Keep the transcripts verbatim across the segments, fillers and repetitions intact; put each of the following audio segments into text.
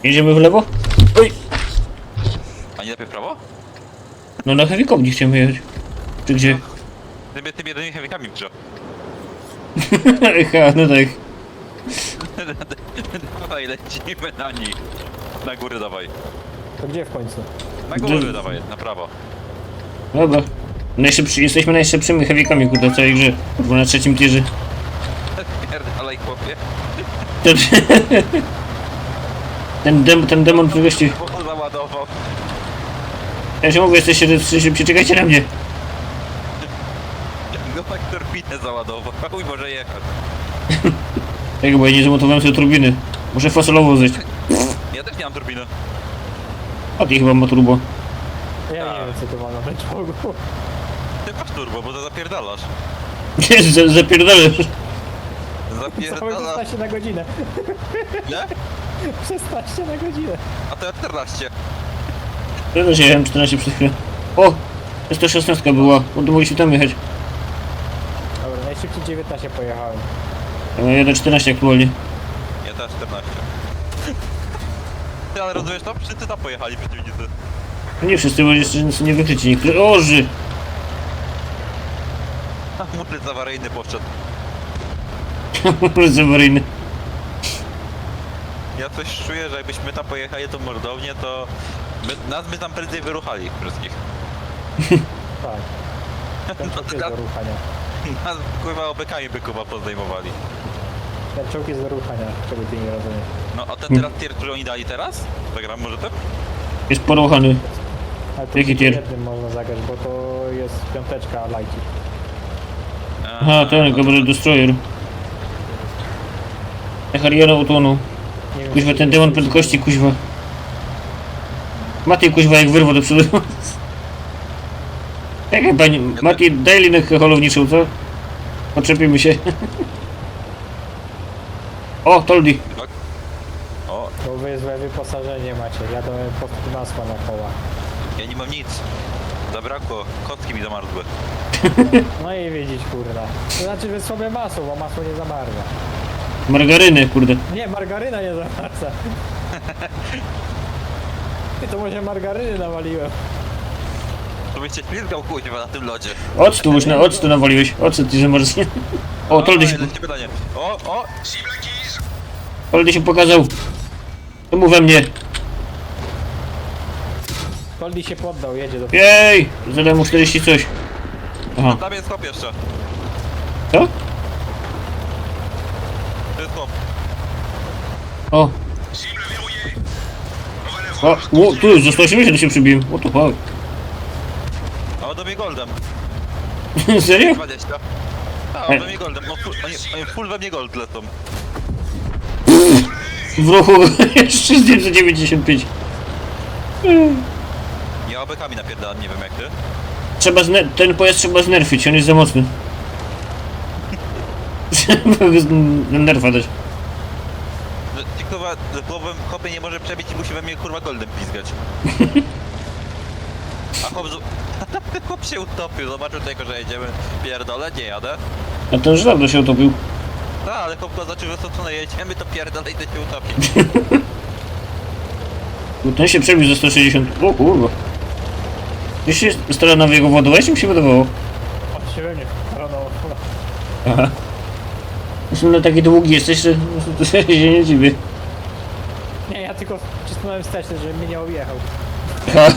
Jedziemy w lewo? Oj! A nie lepiej w prawo? No na heavy nie chciałem jechać. Czy gdzie? Ty, ty jedynymi heavykami wgrze. Ha, no tak. Dawaj, lecimy na nich. Na górę dawaj. To gdzie w końcu? Na górę Gdzie? dawaj, na prawo. Dobra. Najszybszy, jesteśmy najszybszymi heavykami, kurde, w całej grze. Kurwa, na trzecim tierze. Pierdalaj, chłopie. Ten, ten, dem, ten demon tu gości. Bo załadował. Ja się mówię, jesteście szybciej, czekajcie na mnie. No tak turbinę załadował. Chuj może jechać. Tak, bo ja nie zamontowałem sobie turbiny. Muszę fasolową zejść. Ja też nie mam turbiny. A ty chyba ma turbo. Ja Tak. nie wiem co to ma na czołgu. Ty masz turbo, bo to zapierdalasz. Jest, za- zapierdalasz. Całe Zapierdalasz. szesnaście na godzinę. Nie? szesnaście na godzinę. A to ja czternaście. Ja też jechałem czternaście przez chwilę. O! Jest to szesnastka była, bo to mogliśmy tam jechać. Dobra, najszybciej dziewiętnaście pojechałem. Ja jadę czternaście aktualnie. Ja też czternaście. Ty, ale rozumiesz to? Wszyscy tam pojechali przeciwnicy. Nie wszyscy, bo jeszcze są niewykryci niektórzy. Oży! A mutyc awaryjny poszedł. Zawaryjny. Ja coś czuję, że jakbyśmy tam pojechali tą mordownię, to my, nas by tam prędzej wyruchali wszystkich. Tak. Ten czołg jest do ruchania. Nas kurwa obekami by kuba pozdejmowali. Ten czołg jest do ruchania, czego ty nie rozumiesz. No a ten teraz tier, który oni dali teraz? Zagram może tym? Jest poruchany. Ale to Jaki tylko tier? jednym można zagrać, bo to jest piąteczka lajki. Aha, ten, Gabriel Destroyer. Hariana utonął. Nie wiem, Kuźwa, czy ten to demon jest- prędkości, kuźwa. Mati, kuźwa, jak wyrwa do przodu. Czekaj, pani, Mati, daj linę holowniczą, co? Poczepimy się. O, Toldi. Tak. O, Bo wy złe wyposażenie macie, jadą po prostu masła na koła. ja nie mam nic. Zabrakło, kostki mi zamarzły. No i widzieć kurwa. To znaczy, że słabe masło, bo masło nie zamarza. Margaryny, kurde. Nie, margaryna nie zamarza. I to może margaryny nawaliłem. To byś się ślizgał kuźwa na tym lodzie. Octu, już na octu nawaliłeś. Ocet ci zamarznie. O, Toldy się, Oj, lecimy pytanie. O, o! Toldy się pokazał. To mu we mnie. Koldi się poddał, jedzie do... Jej! Zadałem mu czterdzieści coś. Aha, Tam jest chłop jeszcze. co? To jest chłop. O. O, o tu już, za sto osiemdziesiąt się przybiłem. What the fuck? A on do mnie goldem. Serio? dwadzieścia. A, on we mnie goldem. No, full, oni, oni full we mnie gold lecą. W ruchu jeszcze zdjęcie dziewięćdziesiąt pięć. Ja obekami napierdalam, nie wiem jak ty. Trzeba zne- ten pojazd trzeba znerfić, on jest za mocny. Trzeba go z nerfa dać. No, ci kurwa, głową chłopie nie może przebić i musi we mnie kurwa goldem pizgać. A chłop, z- chłop się utopił, zobaczył tylko, że jedziemy. Pierdolę, nie jadę. A ten już dawno się utopił. No, ale chłop go zaczął, że co co jedziemy, to pierdolę i to się utopi. Ten się przebił za sto sześćdziesiąt. O kurwa. Jeszcze jest stara na jego ładować, mi się wydawało. O, się we mnie wkradał. Aha. Zresztą na taki długi jesteś, że to się nie dziwię. Nie, ja tylko wcisnąłem wsteczny, żeby mnie nie objechał. Ha.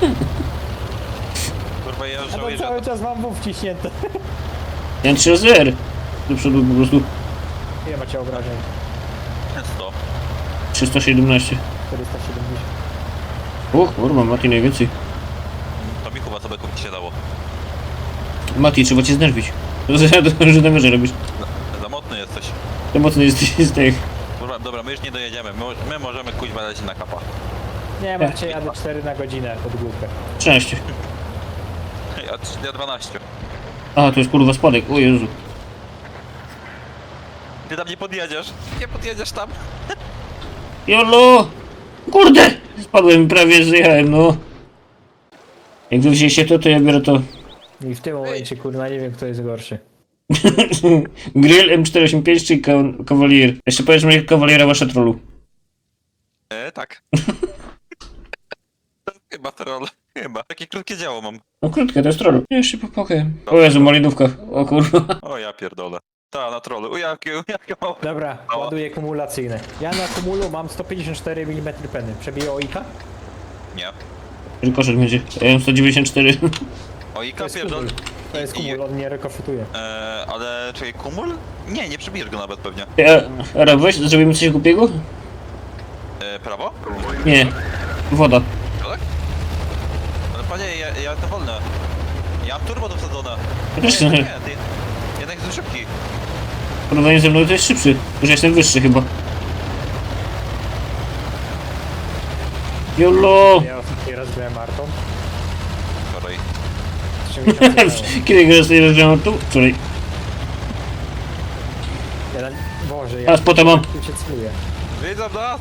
Kurwa, ja już A to żałuję, że cały czas mam W wciśnięte. Ja trzy razy R. Do przodu po prostu. Ile macie obrażeń? sto. trzysta siedemnaście. czterysta siedemdziesiąt. O kurwa, Mati najwięcej. To mi chyba sobie kupić się dało. Mati, trzeba cię znerwić. To za to, że na robisz. Za, za mocny jesteś. To mocno jesteś z tych. Kurwa, dobra, my już nie dojedziemy. My, my możemy kuźwa lecieć na kapa. Nie, macie jadę cztery na godzinę pod główkę. trzynaście. Ja, ja dwanaście. Aha, to jest kurwa spadek, o Jezu. Ty tam nie podjedziesz. Nie podjedziesz tam. Jolo! Kurde! Spadłem prawie, zjechałem, no. Jak wy wzięliście to, to ja biorę to. I w tym momencie, kurwa, nie wiem, kto jest gorszy. Grill M czterysta osiemdziesiąt pięć czy Ka- Cavalier? Jeszcze powiedz mi, jak Cavaliera wasza trollu. E, tak. To chyba troll. Chyba. Takie krótkie działo mam. No krótkie, to jest troll. Jeszcze popokaj. O Jezu, malidówka. O kurwa. O ja pierdolę. Ta, na trollu. U jakie, u jakie małe. Dobra, Mała. ładuję kumulacyjne. Ja na kumulu mam sto pięćdziesiąt cztery milimetry peny. Przebiję oika? Nie. Rykoszyt będzie. Ja mam sto dziewięćdziesiąt cztery. O To Ika jest pierdol. kumul. To jest I- i- kumul, on nie rekofutuje. Eee, ale czekaj, kumul? Nie, nie przebijesz go nawet pewnie. Ja, Ara, weź, zrobimy coś głupiego? Eee, prawo? Nie. Woda. Tak? Ale panie, ja, ja to wolne. Ja mam turbo dosadzone. Ja też nie, nie. nie, ty, jednak jest szybki. W porównaniu ze mną to jest szybszy. Już jestem wyższy chyba. Jolo! Ja ostatni raz byłem Martą. Wczoraj. Trzy miesiące temu. Kiedy go sobie rozwiązałem tu? Wczoraj. Ja na... Boże, A, ja spota mam. tu się celuję. Widzę nas!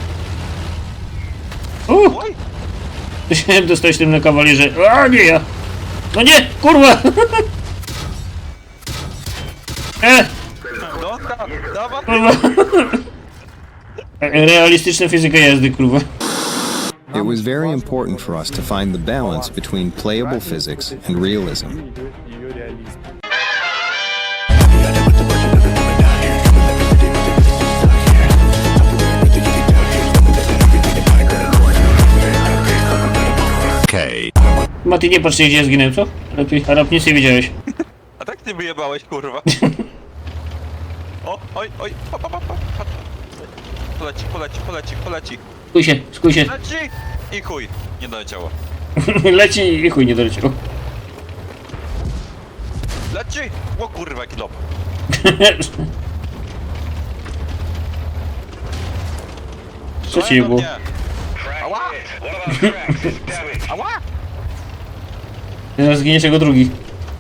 Uuu! Oj! Chciałem dostać tym na kawalierze. A nie ja! No nie! Kurwa! E! Donka! Dawaj! Kurwa! Realistyczna fizyka jazdy, kurwa. It was very important for us to find the balance between playable physics and realism. Mati, nie patrz gdzie ja zginąłem, co? Lepiej. Arab, nic nie wiedziałeś. A tak ty wyjebałeś, kurwa. O, oj, oj, pa, pa, pa, pa, pa. Poleci, poleci, poleci, poleci. Skuj się, skuj się. Leci! I chuj, nie doleciało. Leci i chuj nie doleciał. Leci! O kurwa, jaki lob. Co ci było? Ała! Ała! Teraz zginiesz jako drugi.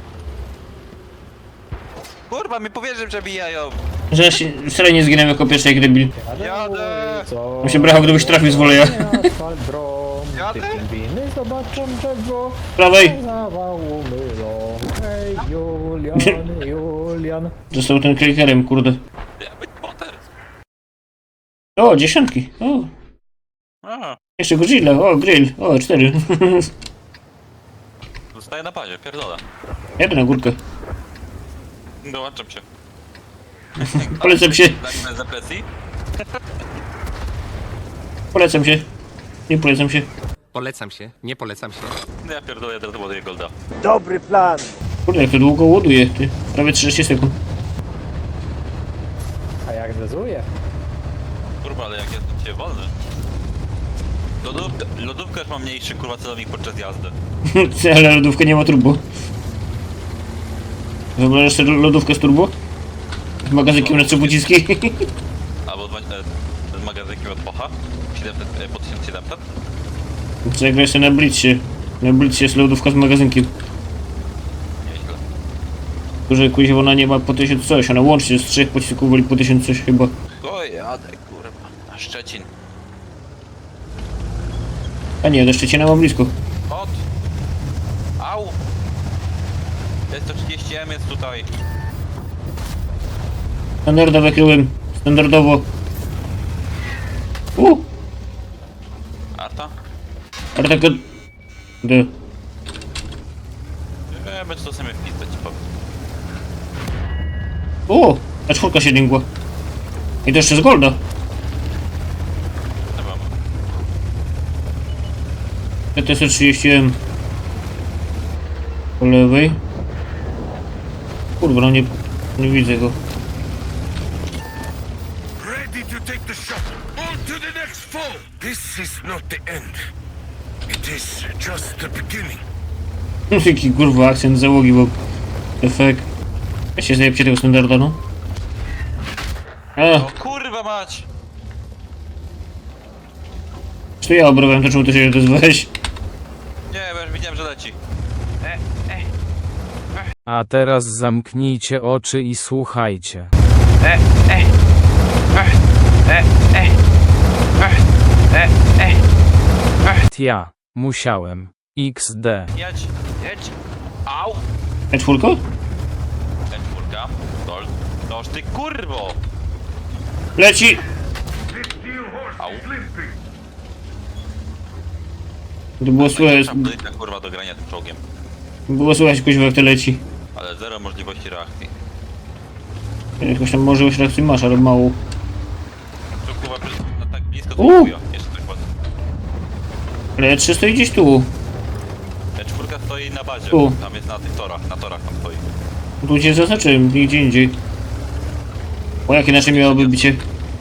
Kurwa, mi powierzy przebijają. Że ja się wcale nie zginąłem jako pierwszy jak debil. Jadę! Co? Bym się brał, gdybyś trafił z woleja. Asfalt brom, Jadę? ty pingwiny zobaczą drzewo, Prawej! zawału mylą. Hej, Julian, Julian. Został ten klikerem, kurde. Ja być Potter. O, dziesiątki. O, A, jeszcze Godzilla. O, grill. O, cztery. zostaję na pazie, pierdolę. Jadę na górkę. Dołączam się. Polecam się. Zagnę z depresji? Polecam się. Nie polecam się. Polecam się, nie polecam się. No ja pierdolę, ja teraz ładuję golda. Kurde, jak to długo ładuje, ty. Prawie trzydzieści sekund. A jak dozuje? Kurwa, ale jak jestem dzisiaj wolny. Lodówka, lodówka już ma mniejszy kurwa celownik podczas jazdy. Ale lodówka nie ma turbo. Wyobrażasz sobie lodówkę z turbo? Z magazynkiem na trzy pociski? Albo dwa, e, z magazynkiem od Pocha. siedemset, e, po tysiąc siedemset. Zagraj się na Blitzie. Na Blitzie jest lodówka z magazynkiem. Nieźle. Że kuźwa ona nie ma po tysiąc coś, ona łącznie z trzech pocisków woli po tysiąc coś chyba. O jadę kurwa, na Szczecin. A nie, do Szczecina mam blisko. Od! Au! sto trzydzieści M jest tutaj. Standardowo kryłem. Standardowo. U! Arta? Ale taka... D. Nie będzie to sobie wpisać, ci powiem. O! A czwórka się dingła. I to jeszcze z golda. Chyba. T T S trzydzieści M. Po lewej. Kurwa, no nie... Nie widzę go. Ready to take the shot. On to the next foe. This is not the end. It is just the beginning. Jaki kurwa akcent załogi, bo... Efekt. Ja się zajebcie tego standarda, no. A, O kurwa mać! to ja obrałem, to czemu ty się nie odezwałeś? Nie, bo już widziałem, że leci. A teraz zamknijcie oczy i słuchajcie. Ja musiałem. iks de. Jedź, jedź! Au! E czwórka? Ten czwórka. Dol. Noż ty kurwo! Leci! Au. To było słychać, Szabryka, kurwa, do grania tym czołgiem. było słychać kuźwa jak to leci. Ale zero możliwości reakcji. Jakoś tam może już reakcji masz, ale mało. To kurwa, przy- no tak blisko to U. chuja. Jeszcze tak ładnie. Ale trzy stoi gdzieś tu. E czwórka stoi na bazie. U. Tam jest na tych torach, na torach tam stoi. Tu cię zaznaczyłem, nigdzie indziej. O jakie nasze miałoby bicie?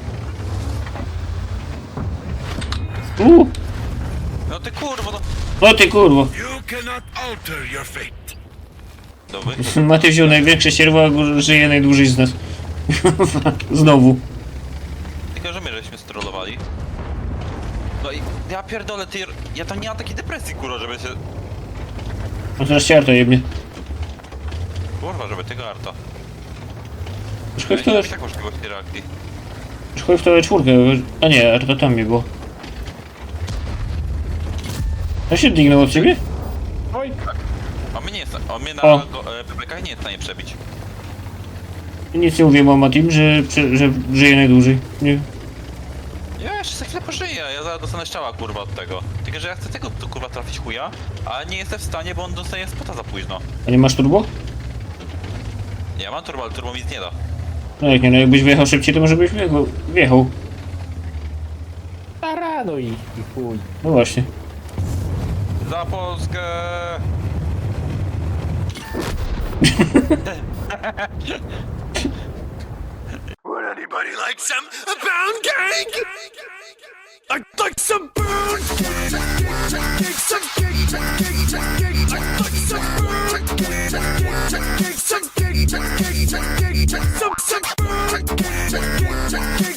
Uuu, No ty kurwa, no. no ty kurwa. You cannot alter your fate. Dobry. Maty wziął największe sierwo, a żyje najdłużej z nas. Znowu. Tylko, że my żeśmy strollowali. No i ja pierdolę, ty, ja tam nie mam takiej depresji, kurwa, żeby się... No teraz cię Arta jebnie. Kurwa, żeby tego arta. Już Ja chodź w to, nie mam tak możliwości reakcji. już chodź w to czwórkę. A nie, Arta tam mi było. Ja się dignął od ciebie? Oj, On mnie nie jest, on mnie na O. go- e, P P K nie jest w stanie przebić. Nic nie mówiłem o Matim, że, że, że żyje najdłużej. Nie. Ja jeszcze za chwilę pożyję, ja zaraz dostanę strzała, kurwa, od tego. Tylko, że ja chcę tego, tu, kurwa, trafić chuja, ale nie jestem w stanie, bo on dostaje spota za późno. A nie masz turbo? Ja mam turbo, ale turbo mi nic nie da. No jak nie, no jakbyś wyjechał szybciej, to może byś wjechał. wjechał. taranuj i chuj. No właśnie. Za Polskę! Would anybody like some pound cake? I'd like some pound cake. Some cake, cake, cake. I'd like some pound cake. Cake, some cake, cake, cake. Some some pound cake. Cake,